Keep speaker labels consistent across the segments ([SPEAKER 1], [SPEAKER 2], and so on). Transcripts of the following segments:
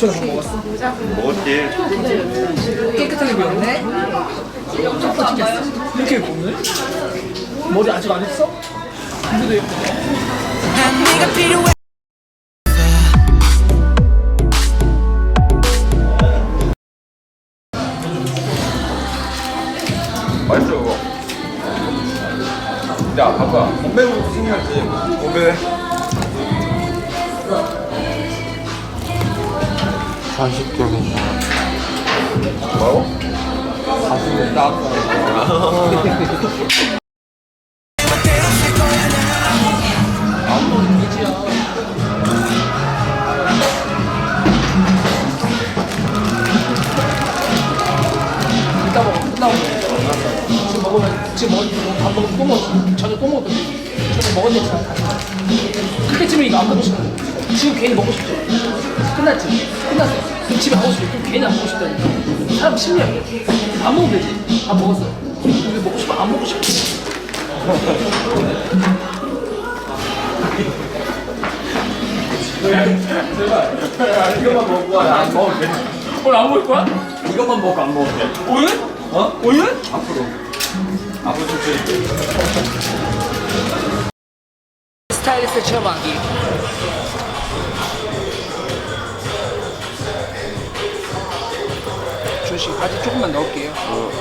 [SPEAKER 1] 유치원에 밥 먹었어?
[SPEAKER 2] 먹었지.
[SPEAKER 1] 깨끗하게 비웠네? 첫 번째 이렇게 입었네? 머리 아직 안 했어? 근데도 예쁘네.
[SPEAKER 2] 맛있어 이거. 야 봐봐. 건배부터 생각지. 건배.
[SPEAKER 3] 간식점이
[SPEAKER 2] 뭐라고?
[SPEAKER 3] 가슴에 딱
[SPEAKER 1] 이따 먹어, 끝나고 지금 먹으면, 밥 먹으면 또 먹어. 저녁 또 먹어도 돼. 저녁 먹었는데 잘 다. 그때쯤에 이거 안 먹고 싶어. 지금 괜히 먹고 싶죠? 끝났지? 끝났어. 그럼 집에 가고 싶어. 그럼 괜히 안 먹고 싶다니까. 사람 심리학이야. 안 먹으면 되지. 밥 먹었어. 근데 먹고 싶어? 안 먹고 싶어?
[SPEAKER 2] 이것만 먹고 안 먹어도 돼.
[SPEAKER 1] 오늘 안 먹을 거야?
[SPEAKER 2] 이것만 먹고 안 먹어도 돼.
[SPEAKER 1] 오늘?
[SPEAKER 2] 어?
[SPEAKER 1] 오늘?
[SPEAKER 2] 앞으로. 앞으로 좀
[SPEAKER 1] 스타일리스트 체험하기. 준씨 바지 조금만 넣을게요.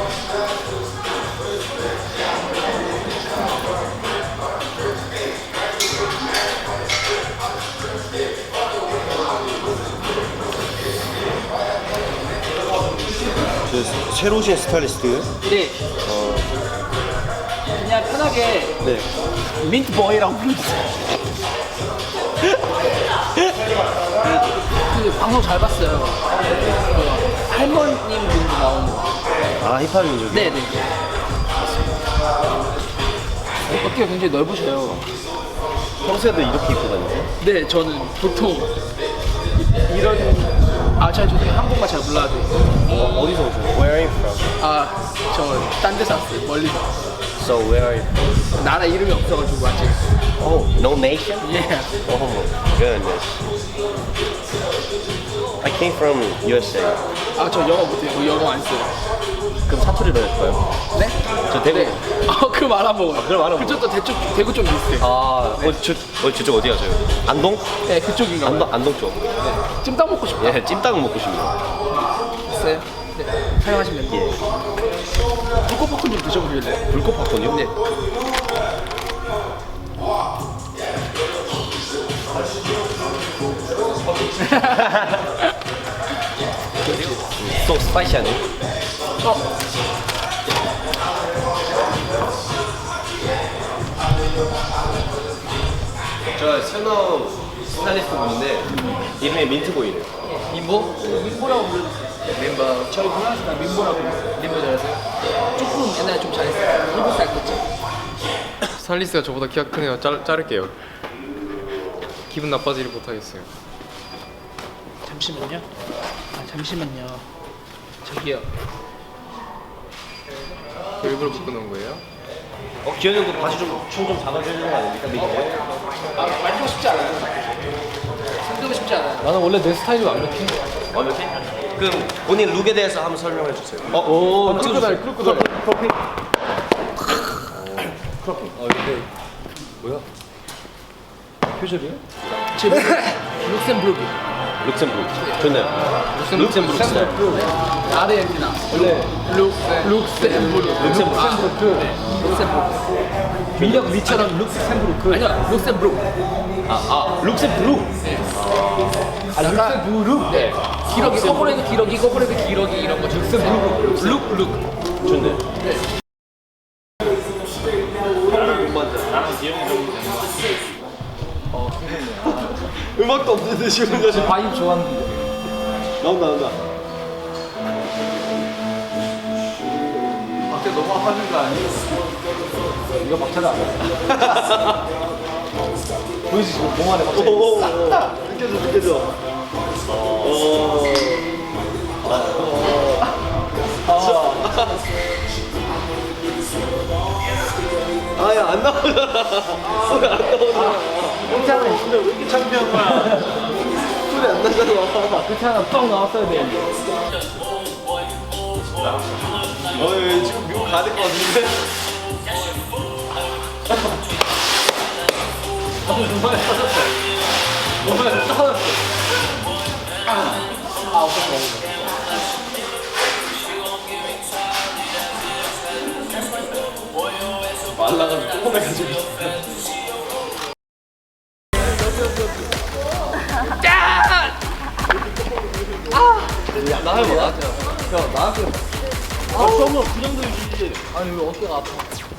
[SPEAKER 3] 새로 오신 스타일리스트?
[SPEAKER 1] 네. 그냥 편하게
[SPEAKER 3] 네.
[SPEAKER 1] 민트보이라고 불러주세요. 그 방송 잘 봤어요. 그 할머님 분도 나오는 거.
[SPEAKER 3] 아 힙합 민족.
[SPEAKER 1] 네네. 어깨가 굉장히 넓으셔요.
[SPEAKER 3] 평소에도 이렇게 입고 다니세요?
[SPEAKER 1] 네, 저는 보통 이런 저 한국말 잘 몰라도
[SPEAKER 3] 어디서 오세요? Where are you from?
[SPEAKER 1] 저 딴 데서 왔어요. 멀리서.
[SPEAKER 3] So where are you from?
[SPEAKER 1] 나라 이름이 없어가지고 아직.
[SPEAKER 3] Oh, no nation?
[SPEAKER 1] 예.
[SPEAKER 3] Oh my goodness. I came from USA.
[SPEAKER 1] 저 영어 못해요. 영어 안 써요.
[SPEAKER 3] 그럼 사투리로 할까요?
[SPEAKER 1] 네?
[SPEAKER 3] 저 대구.
[SPEAKER 1] 네. 그 말 안 먹어요.
[SPEAKER 3] 그럼 안 먹어요?
[SPEAKER 1] 그쪽도 대구 좀 비슷해요.
[SPEAKER 3] 저쪽 어디 가세요? 안동?
[SPEAKER 1] 네, 그쪽인가 봐요.
[SPEAKER 3] 안동 쪽.
[SPEAKER 1] 찜닭 먹고 싶다.
[SPEAKER 3] 예, 찜닭 먹고 싶네요.
[SPEAKER 1] 있어요? 네. 사용하시면 돼요.
[SPEAKER 3] 예.
[SPEAKER 1] 불꽃볶음 좀 드셔보실래요?
[SPEAKER 3] 불꽃 팝콘이요?
[SPEAKER 1] 네.
[SPEAKER 3] 또 스파이시하네요. 저 현업 스타일리스트 분인데 이름이 민트보이네요.
[SPEAKER 1] 민보? 민보라고 불러주세요. 멤버. 저희 문화에서 다 민보라고 불러요. 민보 잘하세요? 조금 옛날에 좀 잘했어요. 7살 때쯤.
[SPEAKER 4] 스타일리스트가 저보다 키가 크네요. 자를게요. 기분 나빠지를 못하겠어요.
[SPEAKER 1] 잠시만요. 잠시만요. 저기요.
[SPEAKER 4] 일부러 묶어놓은 거예요?
[SPEAKER 3] 기현이 형도 바지 춤좀 잡아주는 거 아닙니까? 미국에?
[SPEAKER 1] 만지고 싶지 않아요. 손들고 싶지 않아요.
[SPEAKER 4] 나는 원래 내 스타일이 완벽해.
[SPEAKER 3] 완벽해? 그럼 본인 룩에 대해서 한번 설명해 주세요.
[SPEAKER 4] 오, 크로커다일.
[SPEAKER 3] 이게
[SPEAKER 4] 뭐야? 표절이야?
[SPEAKER 1] 지금 룩셈부르크.
[SPEAKER 3] 룩셈부르크. 좋네요. 룩셈부르크 스타일.
[SPEAKER 1] 아르헨티나. 원래 룩셈부르크. 룩셈부르크.
[SPEAKER 3] 민혁 리처럼 룩셈부르크.
[SPEAKER 1] 아니요, 룩셈부르크.
[SPEAKER 3] 룩셈부르크.
[SPEAKER 1] 룩셈부르크. 네. 기러기, 거꾸로 해도 기러기, 거꾸로 해도 기러기 이런 거. 룩셈부르크. 룩.
[SPEAKER 3] 좋네.
[SPEAKER 1] 네.
[SPEAKER 3] 음악도 없는데 지금
[SPEAKER 1] 저 바이브 좋아하는데.
[SPEAKER 3] 나온다.
[SPEAKER 2] 밖에 너무 하는 거 아니야?
[SPEAKER 1] 이거 막차가 안 보이지? 지금 공 안에 막차.
[SPEAKER 3] 느껴져. 아야 안 나오잖아.
[SPEAKER 2] 근데 왜 이렇게 창피한 거야?
[SPEAKER 3] 소리 안 나잖아.
[SPEAKER 1] 그렇게 하나 뻥 나왔어야 되는데.
[SPEAKER 3] 지금 미국 가야 될 것 같은데?
[SPEAKER 1] 눈만에 터졌어. 눈만에 터졌어. 없었어.
[SPEAKER 3] 말라가지고 조금해가지고. 나 해봐, 나한테. 야, 나한테. 처음으로 그 정도 유지지.
[SPEAKER 1] 아니 왜 어깨가 아파?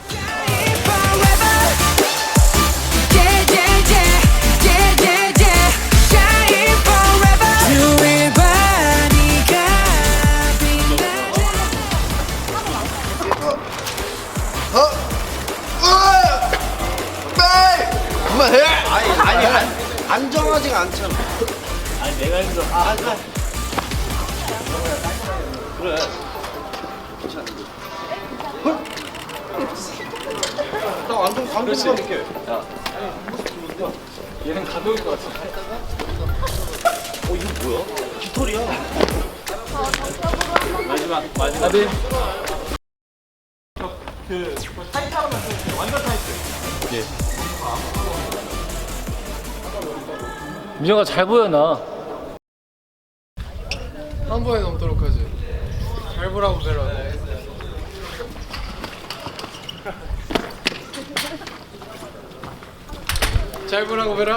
[SPEAKER 3] 그만해! 아니, 안정하지가 않잖아.
[SPEAKER 2] 아니 내가 힘들어.
[SPEAKER 3] 그래. 나 완전 감동감 있게.
[SPEAKER 2] 얘는 감독일 것 같아.
[SPEAKER 3] 이거 뭐야? 깃털이야.
[SPEAKER 2] 마지막.
[SPEAKER 1] 나비. 민혁아 잘 보여 나.
[SPEAKER 4] 한 번에 넘도록 하지. 잘 보라고 배라. 잘 보라고 배라.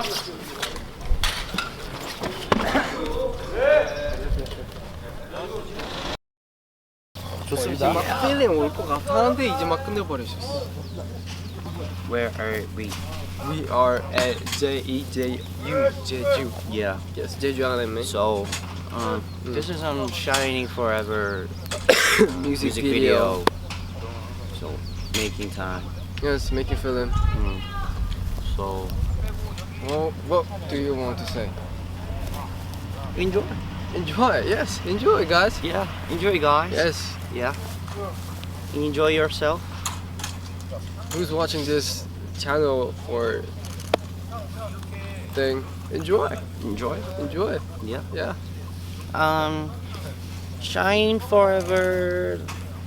[SPEAKER 3] 좋습니다.
[SPEAKER 4] 막 필링 올 것 같았는데 이제 막 끝내버리셨어.
[SPEAKER 3] Where are we?
[SPEAKER 4] We are at JEJU Jeju.
[SPEAKER 3] Yeah.
[SPEAKER 4] Yes, Jeju Island, man.
[SPEAKER 3] So, this is on Shining Forever
[SPEAKER 4] Music
[SPEAKER 3] music
[SPEAKER 4] video.
[SPEAKER 3] video. So, making time.
[SPEAKER 4] Yes, making film.
[SPEAKER 3] So,
[SPEAKER 4] Well, what do you want to say?
[SPEAKER 3] enjoy.
[SPEAKER 4] Enjoy, yes, enjoy, guys.
[SPEAKER 3] Yeah, enjoy, guys.
[SPEAKER 4] Yes.
[SPEAKER 3] Yeah. Enjoy yourself.
[SPEAKER 4] Who's watching this channel or thing? Enjoy,
[SPEAKER 3] Enjoy.
[SPEAKER 4] enjoy.
[SPEAKER 3] Yeah.
[SPEAKER 4] Yeah.
[SPEAKER 3] Shine Forever.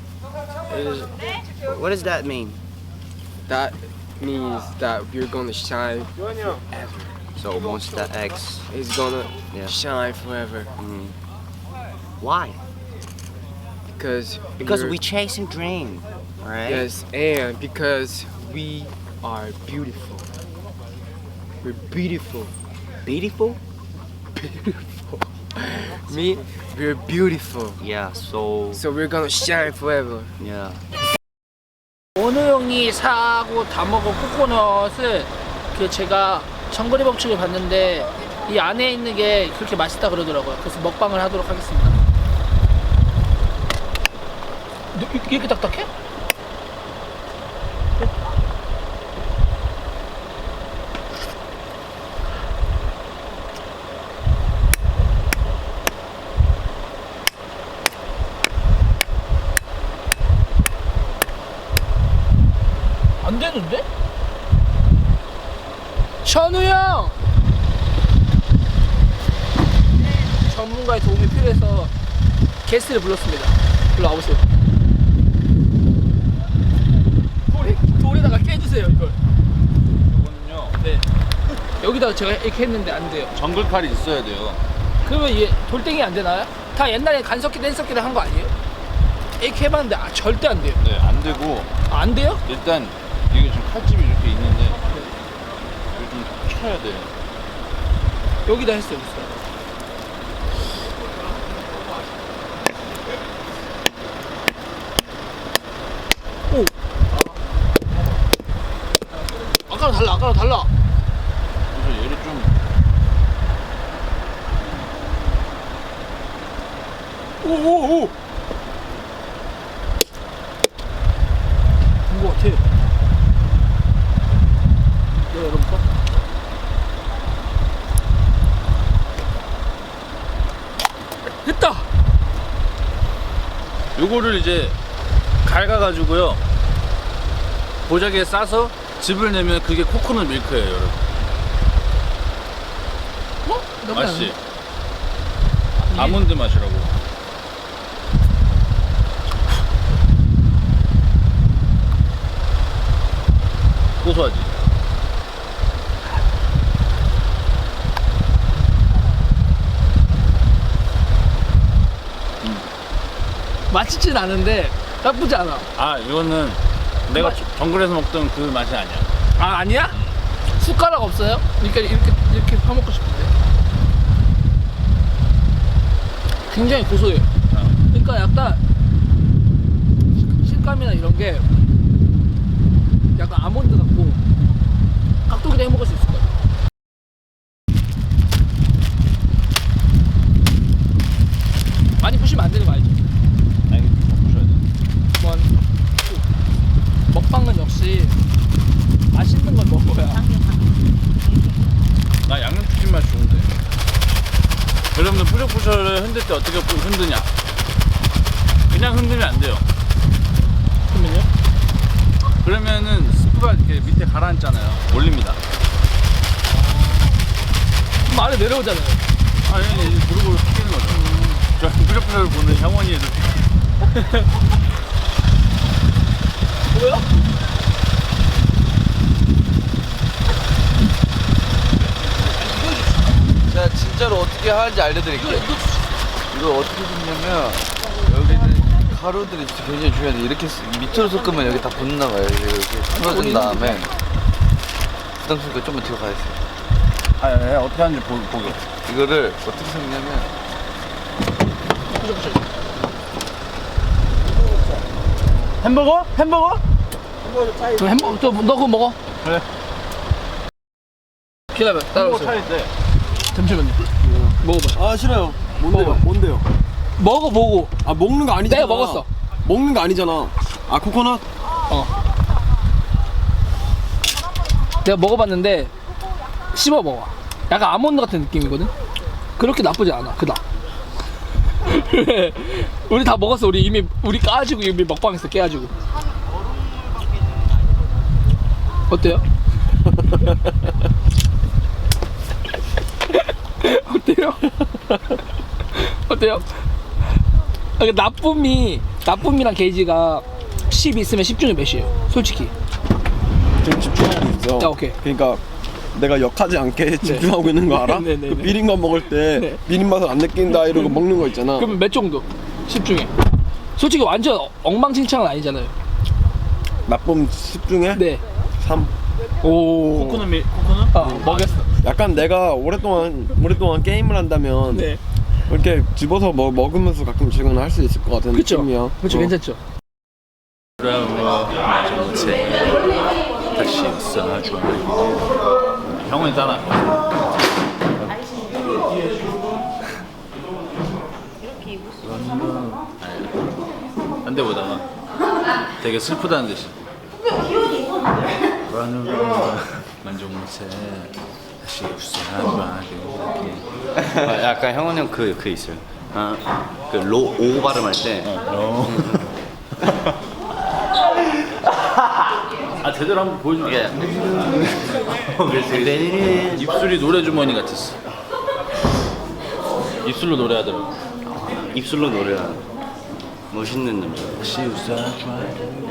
[SPEAKER 3] What does that mean?
[SPEAKER 4] That means that we're gonna shine.
[SPEAKER 3] So, Monster X.
[SPEAKER 4] It's gonna
[SPEAKER 3] Yeah.
[SPEAKER 4] shine forever.
[SPEAKER 3] Why?
[SPEAKER 4] Because
[SPEAKER 3] We chasing dream. Alright?
[SPEAKER 4] yes, and because we are beautiful. We're beautiful.
[SPEAKER 3] Beautiful?
[SPEAKER 4] Beautiful. Me, we're beautiful.
[SPEAKER 3] Yeah, so,
[SPEAKER 4] So we're gonna shine forever.
[SPEAKER 3] yeah.
[SPEAKER 1] 원우 형이 사고 다 먹은 코코넛을 그 제가 정거리 법칙을 봤는데 이 안에 있는 게 그렇게 맛있다 그러더라고요. 그래서 먹방을 하도록 하겠습니다. 이렇게 딱딱해? 안 되는데? 현우 형! 전문가의 도움이 필요해서 게스트를 불렀습니다. 일로 와보세요. 돌에다가 깨주세요, 이걸.
[SPEAKER 2] 이거는요.
[SPEAKER 1] 네. 여기다가 제가 이렇게 했는데 안 돼요.
[SPEAKER 2] 정글칼이 있어야 돼요.
[SPEAKER 1] 그러면 얘 돌덩이 안 되나요? 다 옛날에 간섭기도 했었기도 한 거 아니에요? 이렇게 해봤는데 절대 안 돼요.
[SPEAKER 2] 네, 안 되고
[SPEAKER 1] 안 돼요?
[SPEAKER 2] 일단 이게 지금 칼집이 이렇게 있는데 이거 좀 쳐야 돼요.
[SPEAKER 1] 여기다 했어요, 여기서. 오! 아까랑 달라, 아까랑 달라.
[SPEAKER 2] 그래서 얘를 좀
[SPEAKER 1] 오오오! 된거 같아. 내가 열어볼까? 됐다!
[SPEAKER 2] 요거를 이제 갈가가지고요 보자기에 싸서 즙을 내면 그게 코코넛 밀크예요, 여러분.
[SPEAKER 1] 어? 나쁘지
[SPEAKER 2] 맛있지?
[SPEAKER 1] 않은데?
[SPEAKER 2] 아몬드 맛이라고. 고소하지.
[SPEAKER 1] 맛있진 않은데 나쁘지 않아.
[SPEAKER 2] 아 이거는 내가 정글에서 먹던 그 맛이 아니야.
[SPEAKER 1] 아 아니야? 숟가락 없어요? 그러니까 이렇게 퍼먹고 싶은데. 굉장히 고소해요. 그러니까 약간 식감이나 이런 게 약간 아몬드 같고 깍두기도 해 먹을 수 있을 것 같아. 많이 부시면 안 되는 거 알지?
[SPEAKER 2] 아니 부셔야 돼.
[SPEAKER 1] 뭐 먹방은 역시 맛있는 걸 먹어야.
[SPEAKER 2] 나 양념치킨 맛 좋은데. 여러분들 뿌셔뿌셔를 흔들 때 어떻게 흔드냐? 그냥 흔들면 안 돼요.
[SPEAKER 1] 그러면요?
[SPEAKER 2] 그러면은 스프가 이렇게 밑에 가라앉잖아요. 올립니다.
[SPEAKER 1] 그럼 아래 내려오잖아요.
[SPEAKER 2] 아니 이제 무릎으로 튀기는 거죠. 저 뿌셔뿌셔를 보는 형원이의 눈빛.
[SPEAKER 1] 뭐야?
[SPEAKER 3] 제가 진짜로 어떻게 하는지 알려드릴게요.
[SPEAKER 1] 이거
[SPEAKER 3] 이거 어떻게 섞냐면 여기는 가루들이 진짜 굉장히 중요한데 이렇게 밑으로 섞으면 여기 다 붙나 봐요. 이렇게 풀어준 다음에 부담스니까 좀만 뒤로 가야 돼요.
[SPEAKER 2] 아, 예, 어떻게 하는지 보게.
[SPEAKER 3] 이거를 어떻게 섞냐면
[SPEAKER 1] 부셔부셔.
[SPEAKER 2] 햄버거? 햄버거?
[SPEAKER 1] 그럼 햄버거 너 그거 먹어.
[SPEAKER 2] 그래.
[SPEAKER 1] 기다려.
[SPEAKER 2] 햄버거
[SPEAKER 1] 따라오세요.
[SPEAKER 2] 차릴 때.
[SPEAKER 1] 잠시만요. 먹어봐.
[SPEAKER 5] 아 싫어요. 뭔데요?
[SPEAKER 1] 먹어봐.
[SPEAKER 5] 뭔데요?
[SPEAKER 1] 먹어보고.
[SPEAKER 5] 아 먹는 거 아니잖아.
[SPEAKER 1] 내가 먹었어.
[SPEAKER 5] 먹는 거 아니잖아. 아 코코넛?
[SPEAKER 1] 내가 먹어봤는데 씹어 먹어. 약간 아몬드 같은 느낌이거든. 그렇게 나쁘지 않아. 그다. 우리 다 먹었어. 우리 까지고 이미 먹방했어. 깨가지고. 어때요? 어때요? 어때요? 나쁨이랑 게이지가 10 있으면 10 중에 몇이에요? 솔직히.
[SPEAKER 5] 지금 집중하고 있어.
[SPEAKER 1] 야, 오케이.
[SPEAKER 5] 그러니까 내가 역하지 않게 집중하고 있는 거 알아?
[SPEAKER 1] 네, 네,
[SPEAKER 5] 그
[SPEAKER 1] 네.
[SPEAKER 5] 비린맛 먹을 때
[SPEAKER 1] 네.
[SPEAKER 5] 비린 맛을 안 느낀다 이러고 먹는 거 있잖아.
[SPEAKER 1] 그러면 몇 정도? 10 중에. 솔직히 완전 엉망진창은 아니잖아요.
[SPEAKER 5] 나쁨 10 중에
[SPEAKER 1] 네.
[SPEAKER 5] 3.
[SPEAKER 1] 오.
[SPEAKER 2] 코코넛?
[SPEAKER 1] 먹였어.
[SPEAKER 5] 약간 내가 오랫동안 게임을 한다면
[SPEAKER 1] 네.
[SPEAKER 5] 이렇게 집어서 먹으면서 가끔 출근할 수 있을 것 같은
[SPEAKER 1] 그쵸?
[SPEAKER 5] 느낌이야.
[SPEAKER 1] 그쵸, 괜찮죠?
[SPEAKER 2] 다시 있어줘. 형원이 따라. 딴 데보다가 되게 슬프다는 듯이. 만족 못해. 다시 웃어봐.
[SPEAKER 6] 아, 약간 형원 형 그 있어요. 오 발음할 때.
[SPEAKER 2] 아 제대로 한번 보여주면
[SPEAKER 6] 예.
[SPEAKER 2] 입술이 노래 주머니 같았어. 입술로 노래하더라고.
[SPEAKER 6] 입술로 노래하는 멋있는 남자. 다시 웃어줘.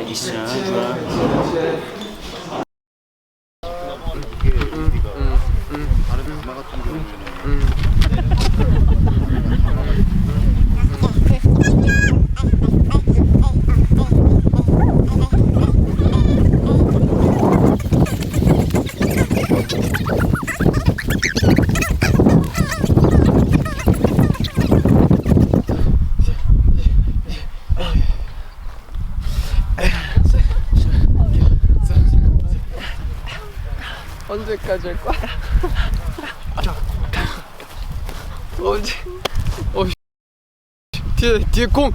[SPEAKER 1] 언제까지 할 거야? 언제? 뒤에 공!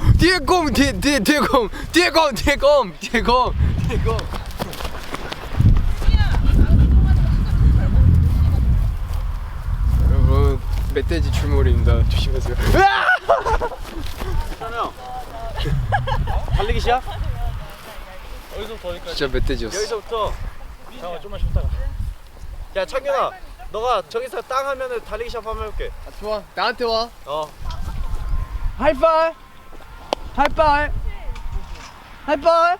[SPEAKER 1] 여러분, 멧돼지 출몰입니다. 조심하세요.
[SPEAKER 3] 달리기 시작?
[SPEAKER 1] 진짜 멧돼지였어.
[SPEAKER 3] 여기서부터 잠깐만 좀만 쉬었다가 야 창균아 너가 저기서 땅 하면은 달리기 시합 한번 해볼게.
[SPEAKER 1] 좋아, 나한테 와.
[SPEAKER 3] 어
[SPEAKER 5] 하이파이. 하이파이. 하이파이.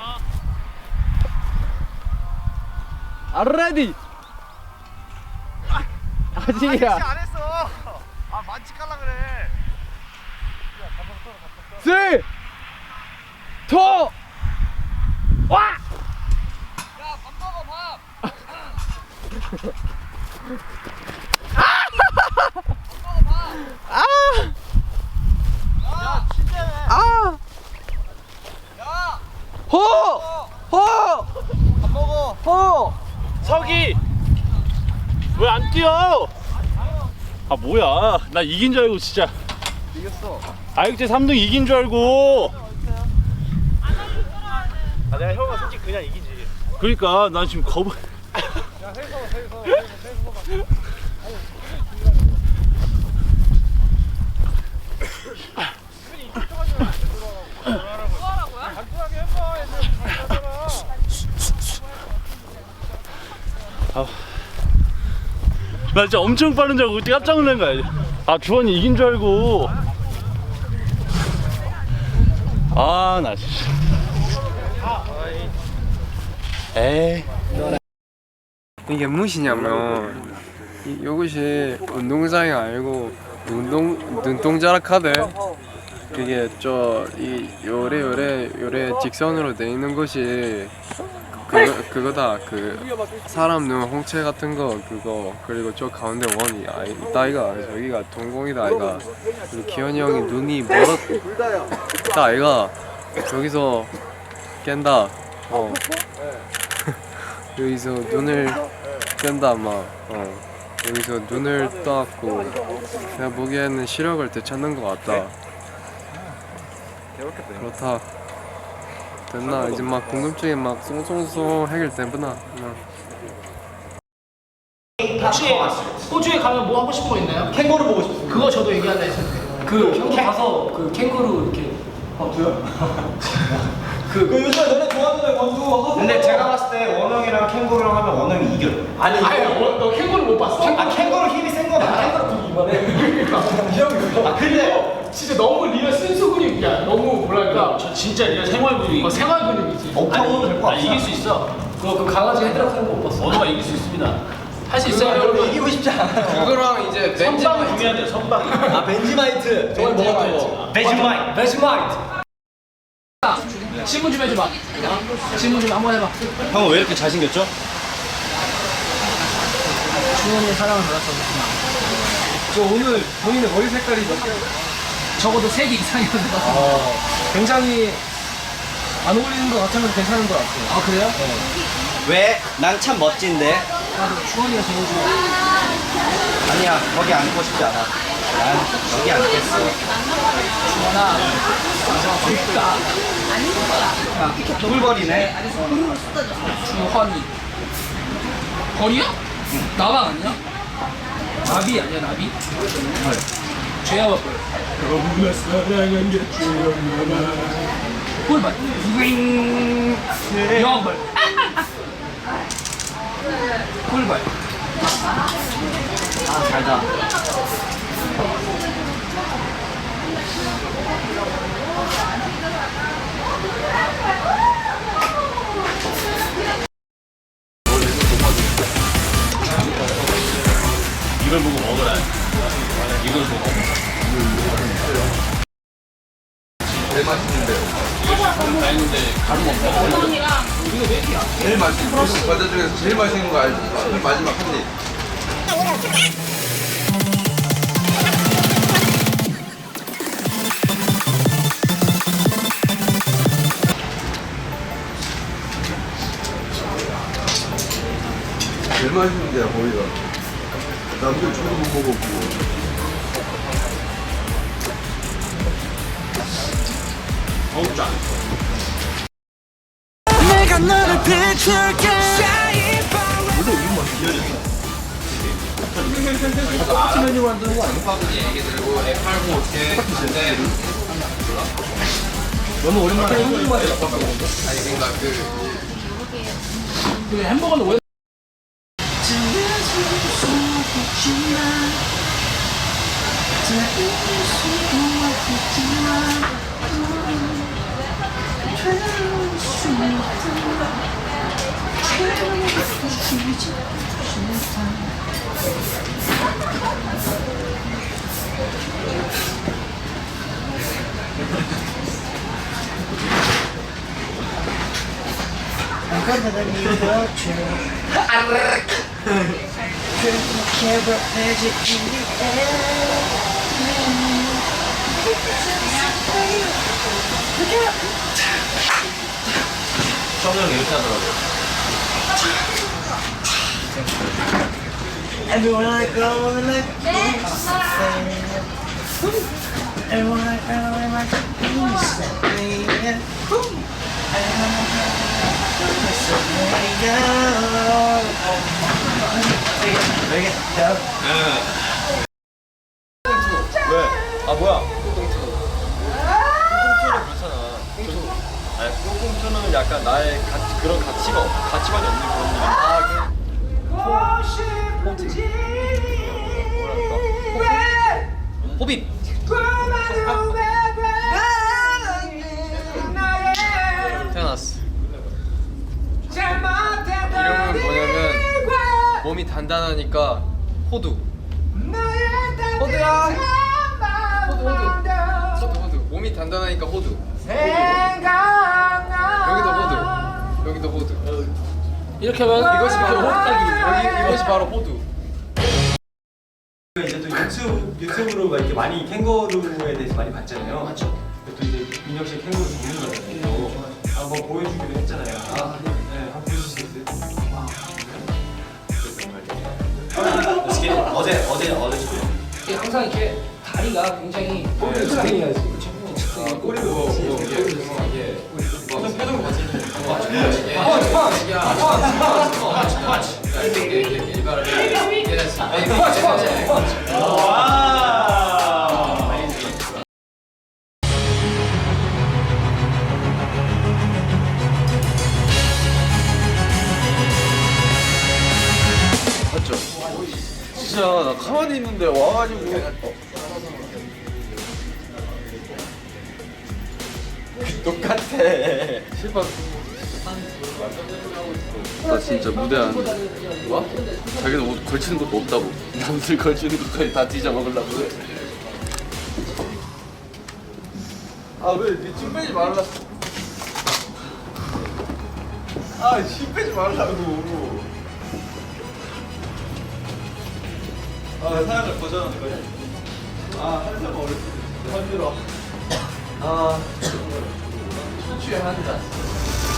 [SPEAKER 5] 알레디. 아직이야.
[SPEAKER 7] 안 했어. 아 만치 깔라 그래.
[SPEAKER 5] 3, 2, 와!
[SPEAKER 2] 석이 왜 안 뛰어? 아 뭐야? 나 이긴 줄 알고 진짜. 이겼어. 아육제 3등 이긴 줄 알고.
[SPEAKER 7] 아 내가 형아 솔직히 그냥 이기지.
[SPEAKER 2] 그러니까 난 지금 겁을. 나 진짜 엄청 빠른 줄 알고 그때 깜짝 놀란 거야. 아 주원이 이긴 줄 알고. 아 나 진짜. 에이.
[SPEAKER 5] 이게 무엇이냐면 이것이 운동장이 아니고 눈동자락 하대. 그게 이 요래 직선으로 돼 있는 것이 그거다. 그 사람 눈 홍채 같은 거 그거. 그리고 저 가운데 원이 있다 아이가. 저기가 동공이다 아이가. 그리고 기현이 형이 눈이 멀었다 아이가. 저기서 깬다. 여기서 눈을 뜬다 아마. 여기서 눈을 떠갖고 내가 보기에는 시력을 되찾는 것 같다. 그렇다. 됐나? 이제 막 궁금증이 막 송송송 해결되구나.
[SPEAKER 1] 호주에 가면 뭐 하고 싶은 거 있나요? 캥거루 보고 싶어요. 그거 저도 얘기할라 했었는데. 그 가서 그 캥거루 이렇게.
[SPEAKER 7] 요즘에 너네 좋아하는 권두 하고. 근데 제가 봤을 때 원영이랑 캥거루랑 하면 원영이 이겨.
[SPEAKER 1] 아니 너 캥거루 못 봤어?
[SPEAKER 7] 캥거루 힘이 센 거다.
[SPEAKER 1] 캥거루 좀 이만해. 아 근데 진짜 너무 리얼 순수 근육이야. 너무 뭐랄까.
[SPEAKER 2] 저 진짜 리얼 생활 근육이.
[SPEAKER 1] 생활 근육이지.
[SPEAKER 7] 억타고 될거
[SPEAKER 2] 나 이길 수 있어.
[SPEAKER 1] 그 강아지 헤드락 하는 거 못 봤어?
[SPEAKER 2] 언어가 이길 수 있습니다.
[SPEAKER 1] 할 수 있어요 여러분.
[SPEAKER 7] 이기고 싶지 않아요.
[SPEAKER 5] 그거랑 이제
[SPEAKER 2] 선방 중요해야 돼요. 선방.
[SPEAKER 7] 아 벤지마이트.
[SPEAKER 1] 저걸 먹었죠.
[SPEAKER 7] 벤지마이트.
[SPEAKER 1] 베스마이트. 질문 좀 해줘봐. 질문 좀 한번 해봐.
[SPEAKER 6] 형은 왜 이렇게 잘생겼죠?
[SPEAKER 1] 주원이의 사랑을 받았어.
[SPEAKER 5] 저 오늘 본인의 머리 색깔이 몇 개?
[SPEAKER 1] 적어도 3개 이상이었는 것 같아.
[SPEAKER 5] 굉장히 안 어울리는 것 같으면 괜찮은 것 같아요.
[SPEAKER 1] 아 그래요?
[SPEAKER 6] 왜? 난 참 멋진데.
[SPEAKER 1] 나도 주원이가 제일 좋아.
[SPEAKER 6] 아니야, 거기 앉고 싶지 않아. 난 여기 앉겠어.
[SPEAKER 1] 주원아. 그니까.
[SPEAKER 6] 꿀벌이네.
[SPEAKER 1] 주헌이. 벌이야? 나방 아니야? 나비 아니야 나비? 죄야와 벌. 너무나 사랑한 게 죄야구나. 꿀벌. 여벌. 꿀벌.
[SPEAKER 6] 아, 잘자.
[SPEAKER 2] 이걸 보고 먹으라. 이걸 보고.
[SPEAKER 3] 제일 맛있는데요.
[SPEAKER 2] 아닌데 가루 먹어.
[SPEAKER 3] 제일 맛있는 과자 중에서 제일 맛있는 거 알죠? 마지막 한 입. 제일 맛있는 데야 거기가. 남들 저도 못 먹었고.
[SPEAKER 8] 내가 너를 비출게
[SPEAKER 1] 그 햄버거는 왜?
[SPEAKER 7] 성형 이렇게 하더라고요.
[SPEAKER 8] Everyone I go and like everyone I go and like
[SPEAKER 7] 아 뭐야? 꽁꽁투는 그렇잖아. 아니 꽁꽁투는 약간 나의 그런 가치관이 없는 그런 느낌.
[SPEAKER 4] 호빗. 태어났어. 이름은 뭐냐면 몸이 단단하니까 호두. 호두야. 호두. 몸이 단단하니까 호두. 여기도 호두. 여기도 호두.
[SPEAKER 1] 이렇게 하면
[SPEAKER 4] 이것이 바로
[SPEAKER 1] 호두까기.
[SPEAKER 4] 이것이 바로 호두.
[SPEAKER 7] 이제 또 유튜브로 막 이렇게 많이 캥거루에 대해서 많이 봤잖아요. 맞죠. 또 이제 민혁 씨 캥거루 전문가잖아요. 한번 보여주기로 했잖아요. 네, 한번 보여주실 수 있어요? 어제
[SPEAKER 1] 이게 항상 이렇게 다리가 굉장히
[SPEAKER 7] 꼬리도 어떤 표정 봤을
[SPEAKER 3] 맞죠? 진짜 나 가만히 있는데 와가지고 똑같아. 실밥. 나 진짜 무대 안 와? 자기는 옷 걸치는 것도 없다고. 남들 걸치는 것까지 다 뒤져 먹으려고 그래. 아왜니침 빼지 말라. 침 빼지 말라고.
[SPEAKER 7] 사연을 거절하는 거예요? 한 살만 어렸을 때 힘들어.
[SPEAKER 3] 취한다.